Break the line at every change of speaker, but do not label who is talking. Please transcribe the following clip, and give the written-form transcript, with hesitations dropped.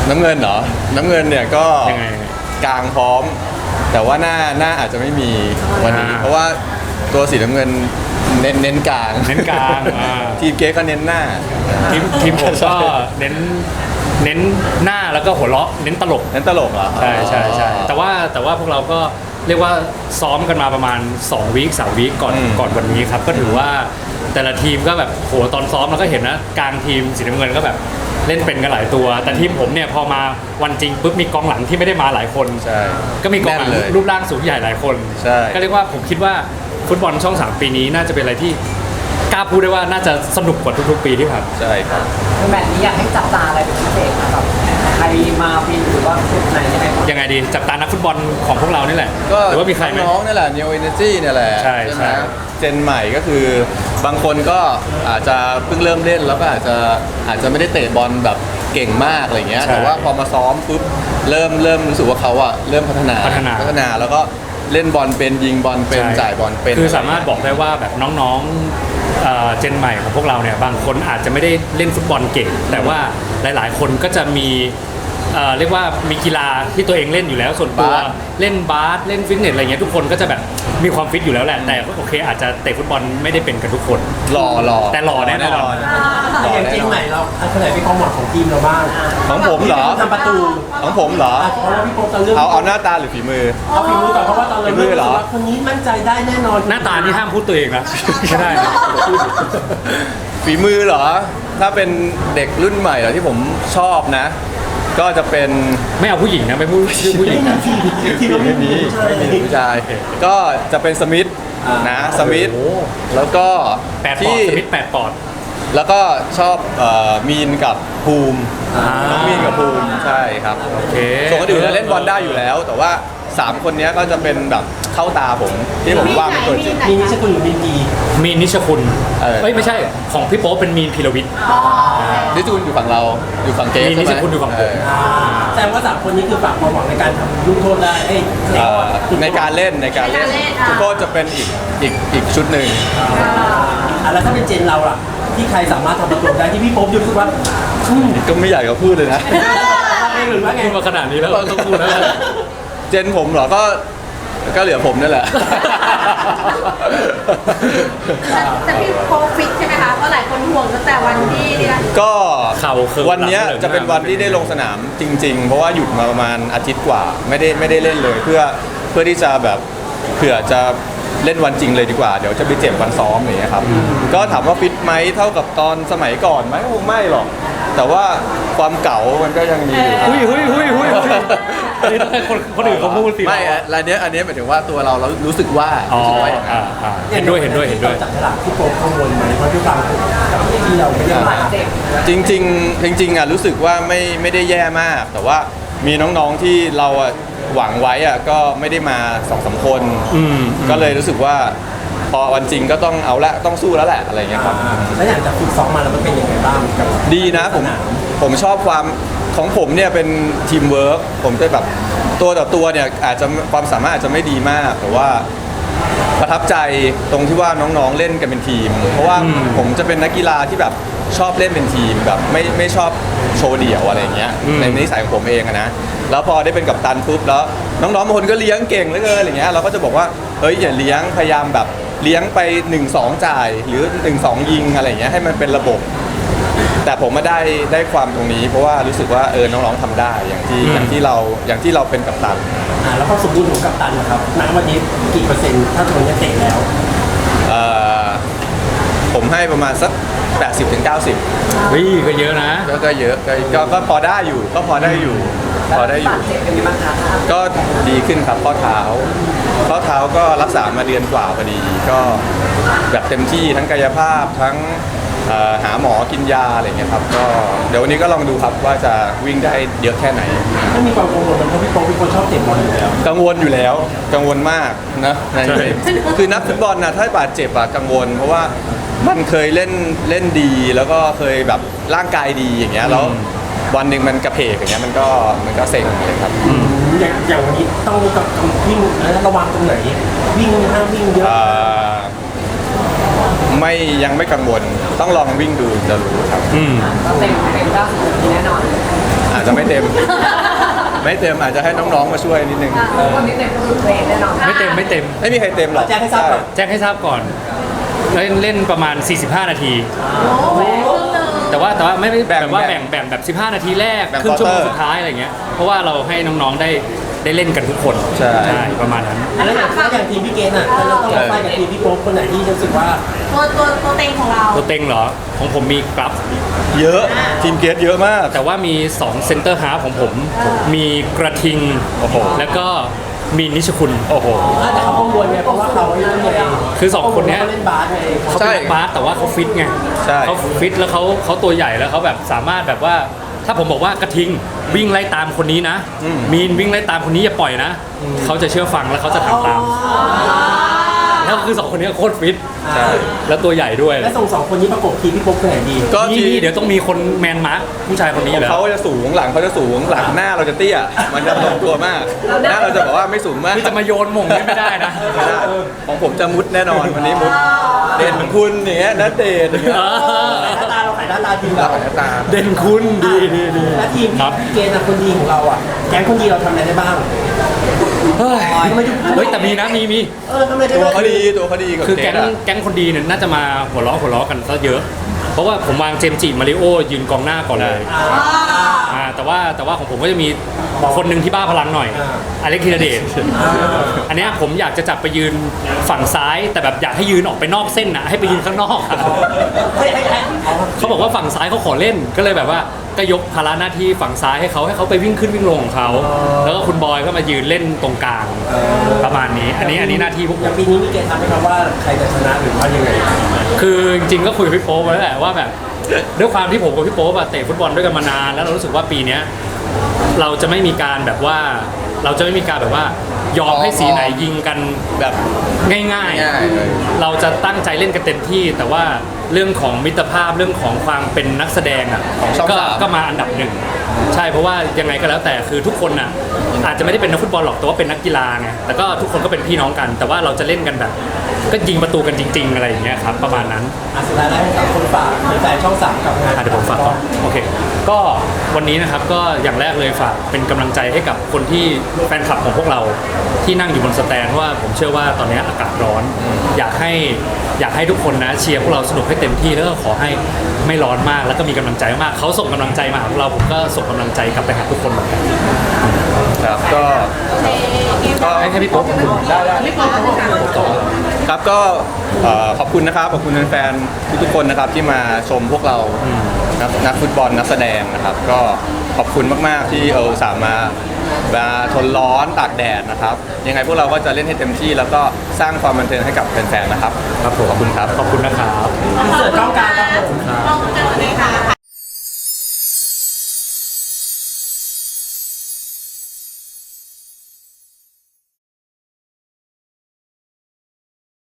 น้ำเงินเหรอน้ำเงินเนี่ยก็
ยังไง
กลางพร้อมแต่ว่าหน้าอาจจะไม่มีวันนี้เพราะว่าตัวสีน้ำเงินเน้นกลางทีมเก๊ก็เน้นหน้า
ทีมผมก็เน้นหน้าแล้วก็หัวเราะเน้นตลก
เหรอ
ใช่แต่ว่าพวกเราก็เรียกว่าซ้อมกันมาประมาณ2 วีค3 วีคก่อนวันนี้ครับก็ถือว่าแต่ละทีมก็แบบโหตอนซ้อมเราก็เห็นนะกลางทีมสีน้ำเงินก็แบบเล่นเป็นกันหลายตัวแต่ทีมผมเนี่ยพอมาวันจริงปุ๊บมีกองหลังที่ไม่ได้มาหลายคนก็มีกองหลังรูปร่างสูงใหญ่หลายคนก็เรียกว่าผมคิดว่าฟุตบอลช่อง3ปีนี้น่าจะเป็นอะไรที่กล้าพูดได้ว่าน่าจะสนุกกว่าทุกๆปีที่ผ่าน
ใช่ครับ
แบบนี้อยากให้จับตาอะไรเป็นพิเศษนะครับใครมาฟินหรือว่าชุดไหน
ยังไงดีจับตานักฟุตบอลของพวกเรานี่แหละหรือว่ามีใครไหม
น้องนี่แหละ Neo Energy เนี่ยแหละ
ใช่ไหม
เจนใหม่ก็คือบางคนก็อาจจะเพิ่งเริ่มเล่นแล้วก็อาจจะไม่ได้เตะบอลแบบเก่งมากอะไรเงี้ยแต่ว่าพอมาซ้อมปุ๊บเริ่มรู้สึกว่าเขาอะเริ่มพัฒนาแล้วก็เล่นบอลเป็นยิงบอลเป็นจ่ายบอลเป็น
คือสามารถบอกได้ว่าแบบน้องๆเจนใหม่ของพวกเราเนี่ยบางคนอาจจะไม่ได้เล่นฟุตบอลเก่งแต่ว่าหลายๆคนก็จะมีเรียกว่ามีกีฬาที่ตัวเองเล่นอยู่แล้วส่วนตัวเล่นบาสเล่นฟิตเนสอะไรเงี้ยทุกคนก็จะแบบมีความฟิตอยู่แล้วแหละแต่โอเคอาจจะเตะฟุตบอลไม่ได้เป็นกันทุกคน
หล่อ
แต่หล่อแน่นอน
อย่างเจนใหม่เราคนไหนเป็นกองหลังของทีมเราบ้าง
ของผมเหรอ
ทำประตู
ของผมเหรอ
เพราะว่าพี่โป๊ปตอนเรื่อง
เอาหน้าตาหรือฝีมือ
เอาฝีมือก่อนเพราะว่าตอนเราเริ่มว่าคนนี้มั่นใจได้แน่นอน
หน้าตานี่ห้ามพูดตัวเองนะไม่ได้
ฝีมือเหรอถ้าเป็นเด็กรุ่นใหม่เหรอที่ผมชอบนะก็จะเป็น
ไม่เอาผู้หญิงนะไม่พูดชื่อผู้หญิงนะ
ไม่มีผู้ชายก็จะเป็นสมิธนะสมิธแล้วก็
ที่สมิธ8 ปอนด์
แล้วก็ชอบมีนกับภูมิน้องมีนกับภูมิใช่ครับ
โอเค
ส่วนคนอื่นเล่นบอลได้อยู่แล้วแต่ว่า3 คนนี้ก็จะเป็นแบบเข้าตาผมที่ผมว่าเป็นตัวจริง
มีนิชคุณหรือมี
นิชคุณไม่ใช่ของพี่โป๊ปเป็นมีนพีรวิทย์
นิชคุณอยู่ฝั่งเราอยู่ฝั่งเกม
นิชคุณอยู่ฝั่งผม
แต่ว่า3 คนนี้คือฝากความหวังในการทำลูกโทษได้
ในการเล่นลูกโทษจะเป็นอีกชุดหนึ่ง
แล้วถ้าเป็นเจนเราล่ะที่ใครสามารถทำประตูได้ที่พี่โป๊ปรู้สึกว่า
ก็ไม่อยากจะพูดเลยนะ
พูดมาขนาดนี้แล้วต้องพูดแล้ว
เจนผมเหรอก็เหลือผมนั่นแหละ
แต่พี่โป๊ปฟิตใช่ไหมคะเพราะหลายคนห่วงตั้งแต่วันที่นี่นะ
ก็วันนี้จะเป็นวันที่ได้ลงสนามจริงๆเพราะว่าหยุดมาประมาณอาทิตย์กว่าไม่ได้เล่นเลยเพื่อที่จะแบบเผื่อจะเล่นวันจริงเลยดีกว่าเดี๋ยวจะไปเจ็บวันซ้อมอย่างเงี้ยครับก็ถามว่าฟิตไหมเท่ากับตอนสมัยก่อนไหมคงไม่หรอกแต่ว่าความเก่ามันก็ยังมีอยู่
คนอื่นเขาพูดสิ
ไม่อันนี้หมายถึงว่าตัวเรารู้สึกว่า
เห็นด้วย
จากตลาดที่โป๊ปกังวลไหมเพราะที่ฟังกับที่เราไม่ได้บาดเจ็บ
จริงอ่ะรู้สึกว่าไม่ได้แย่มากแต่ว่ามีน้องๆที่เราหวังไว้อ่ะก็ไม่ได้มา 2-3 คนก็เลยรู้สึกว่าพอวันจริงก็ต้องเอาละต้องสู้แล้วแหละอะไรเงี้ยครับ
แล้วอย่างจากฝึกซ้อมมาแล้วมันเป็นยังไงบ้าง
ดีนะผมชอบความของผมเนี่ยเป็นทีมเวิร์กผมจะแบบตัวต่อตัวเนี่ยอาจจะความสามารถอาจจะไม่ดีมากแต่ว่าประทับใจตรงที่ว่าน้องๆเล่นกันเป็นทีมเพราะว่าผมจะเป็นนักกีฬาที่แบบชอบเล่นเป็นทีมแบบไม่ชอบโชว์เดี่ยวอะไรเงี้ยในนิสัยของผมเองนะแล้วพอได้เป็นกัปตันปุ๊บแล้วน้องๆบางคนก็เลี้ยงเก่งเหลือเกินอะไรเงี้ยเราก็จะบอกว่าเฮ้ยอย่าเลี้ยงพยายามแบบเลี้ยงไป 1-2 จ่ายหรือ 1-2 ยิงอะไรเงี้ยให้มันเป็นระบบแต่ผมมาได้ความตรงนี้เพราะว่ารู้สึกว่าน้องๆทำได้อย่างที่เราเป็นกัปตัน
แล้วความสมบูรณ์ของกัปตันนะครับณวันนี้กี่เปอร์เซ็นต์ถ้าตัวนี้เตะแล้ว
ผมให้ประมาณสัก80-90
ก็เยอะนะ
ก็เยอะก็พอได้อยู่ก็ดีขึ้นครับข้อเท้าก็รักษามาเดือนกว่าพอดีก็แบบเต็มที่ทั้งกายภาพทั้งหาหมอกินยาอะไรเงี้ยครับก็เดี๋ยววันนี้ก็ลองดูครับว่าจะวิ่งได้เยอะแค่ไหน
ไม่มีความกังวลเพราะพี่โป๊ปเป็นคนชอบเตะบอลอยู่แล้ว
กังวลอยู่แล้วกังวลมากนะคือนักฟุตบอลนะถ้าบาดเจ็บอะกังวลเพราะว่ามันเคยเล่นดีแล้วก็เคยแบบร่างกายดีอย่างเงี้ยแล้ววันหนึ่งมันกระเพกอย่างเงี้ยมันก็เซ็งเลยครับ
อย่างวันนี้ต้องวิ่งระวังตรงไหนวิ่งห้ามวิ่งเยอะ
ยังไม่กังวลต้องลองวิ่งดูจะรู้ครับ
เต็ม90นาทีแน่นอน
อจะไม่เต็ม ไม่เต็มอาจจะให้น้องๆมาช่วยนิดนึง
คนนี้เต็มคือเพลงแน่นอน
ไม่เต็ม
ไม่มีใครเต็มหรอก
แจ้งให้ทราบก่อน
แจ้งให้ทราบก่อนเล่นประมาณ 45 นาที
โอ้โหครึ่งหนึ่ง
แต่ว่าไม่ได้แบบว่า
แบ่
แบ่
ง
งแบบ 15 นาทีแรก
แบ่ง
ครึ่งชั่วโมง
quarter
สุดท้ายอะไรเงี้ยเพราะว่าเราให้น้องๆได้เล่นกันทุกคน
ใช่
ประมาณนั้น
แล้วอย่างทีมพี่เกณฑ์อ่ะเราต้องมาไฟกับทีมพี่โป๊ปคนไหนที่รู้สึกว่า
ตัวเต็งของเรา
ตัวเต็งเหรอของผมมีกราฟ
เยอะทีมเกตเยอะมาก
แต่ว่ามี2เซนเตอร์ฮาล์ฟของผม มีกระทิง
โอ้โห
แล้วก็มีนิชคุณ
โอ้โห
แต่เขากังวลไงเพราะว่าเขาเล่นไง
คือสองคนเนี้ย
เขาเล่นบาสไง
เขา
ใช่
เป็นนักบาสแต่ว่าเขาฟิตไง
ใช่
เขาฟิตแล้วเขาตัวใหญ่แล้วเขาแบบสามารถแบบว่า ถ้าผมบอกว่ากระทิงวิ่งไล่ตามคนนี้นะ มีนวิ่งไล่ตามคนนี้อย่าปล่อยนะ เขาจะเชื่อฟังแล้วเขาจะทำตาม แล้วคือสองคนนี้โคตรฟิต
ใช่
แล้วตัวใหญ่ด้วย
และส่งสองคนนี้ประกบทีมพี่โป๊ปคนไหนดี
ก็ที
นี่เดี๋ยวต้องมีคนแมนมาร์คผู้ชายคนนี้
ของ
แล้ว
เขาจะสูงหลังเขาจะสูงหลังหน้าเราจะเตี้ย มันจะลงตัวมาก หน้าเราจะบอกว่าไม่สูงมาก
คือจะมาโยนหม่งเนี่ยไม่ได้นะ
ไม่ได้ของผมจะมุดแน่นอนวันนี้มุดเด่นคุณอย่างเงี้ยนัดเดทอย่างเงี้ย
หน้าตาเราขายหน้าตาทีม
รั
เรา
กหน้าตา
เด่นคุณดีดีดี
และทีม
ครับ
พี่เกณฑ์คนดีของเราอ่ะแก๊งคนดีเราทำอะไรได้บ้าง
เฮ้ย
ทำไมถึง
เฮ้ยแต่มีนะมี
ทำไมได้
ตัว
บ้าง
เขาดีตัวเขาดีกับ
คือ
เก
แก๊
ต
ง
อะ
แก๊งคนดีเนี่ยน่าจะมาหัวล้อกันซะเยอะ เพราะว่าผมวางเจมส์จิมาริโอยืนกองหน้าก่อนเลยแต่ว่าของผมก็จะมีคนหนึ่งที่บ้าพลังหน่อยอเล็กธีรเดชอันเนี้ยผมอยากจะจับไปยืนฝั่งซ้าย แต่แบบอยากให้ยืนออกไปนอกเส้นนะให้ไปยืนข้างนอกอะ
ให้เอา
เขาบอกว่าฝั่งซ้ายเขาขอเล่นก็เลยแบบว่าก็ยกภาระหน้าที่ฝั่งซ้ายให้เขาไปวิ่งขึ้นวิ่งลงของเขาแล้วก็คุณบอยก็มายืนเล่นตรงกลางประมาณนี้ อันนี้หน้าที่พวกผ
อย่าง
ม
ปีนี้มีเกณฑ์ทำให้คำว่าใครจะชนะหรือว่ายังไง
คือจริงๆก็คุยกับพี่โป๊ปไว้แหละว่าแบบด้วยความที่ผมกับพี่โป๊ปอะเตะฟุตบอลด้วยกันมานานแล้วเรารู้สึกว่าปีเนี้ยเราจะไม่มีการแบบว่ายอมให้สีไหนยิงกัน
แบบ
ง่าย
ง่ายเลย
ๆ เราจะตั้งใจเล่นกันเต็มที่ แต่ว่าเรื่องของมิตรภาพเรื่องของความเป็นนักแสดงอ่ะ
ของช่องสาม
ก็มาอันดับหนึ่งใช่เพราะว่ายังไงก็แล้วแต่คือทุกคนน่ะอาจจะไม่ได้เป็นนักฟุตบอลหรอกแต่ว่าเป็นนักกีฬาไงแต่ก็ทุกคนก็เป็นพี่น้องกัน แต่ว่าเราจะเล่นกันแบบ ก็ยิงประตูกันจริง ๆ อะไรอย่างเงี้ยครับประมาณนั้น
สุดท้ายแล้วให้กับคนฝากแฟนช่องสามกับงาน
เดี๋ยวผมฝากก่อนโอเค ก็วันนี้นะครับก็อย่างแรกเลยฝากเป็นกำลังใจให้กับคนที่แฟนคลับของพวกเราที่นั่งอยู่บนสแตนเพราะว่าผมเชื่อว่าตอนนี้อากาศร้อน อยากให้ทุกคนนะเชียร์พวกเราสนุกให้เต็มที่แล้วก็ขอให้ไม่ร้อนมากแล้วก็มีกำลังใจมากเขาส่งกำลังใจมาหาพวกเราผมก็ส่งกำลังใจกลับไปหาทุกคนเหมือนกัน
ครับก็
ให้พี่โป๊ปขอบคุณ
ไม่พอค่ะ
ครับก็ขอบคุณนะครับขอบคุณแฟนๆทุกๆคนนะครับที่มาชมพวกเรานักฟุตบอลนักแสดงนะครับ ก็ขอบคุณมากๆที่สามารถมาทนร้อนตากแดดนะครับ ยังไงพวกเราก็จะเล่นให้เต็มที่ แล้วก็สร้างความบันเทิงให้กับแฟนๆนะครับครับผมขอบคุณครับ
ขอบคุณนะครับ
เสิร์ฟช่องกลางครับผม
ลองกันเลยค่ะ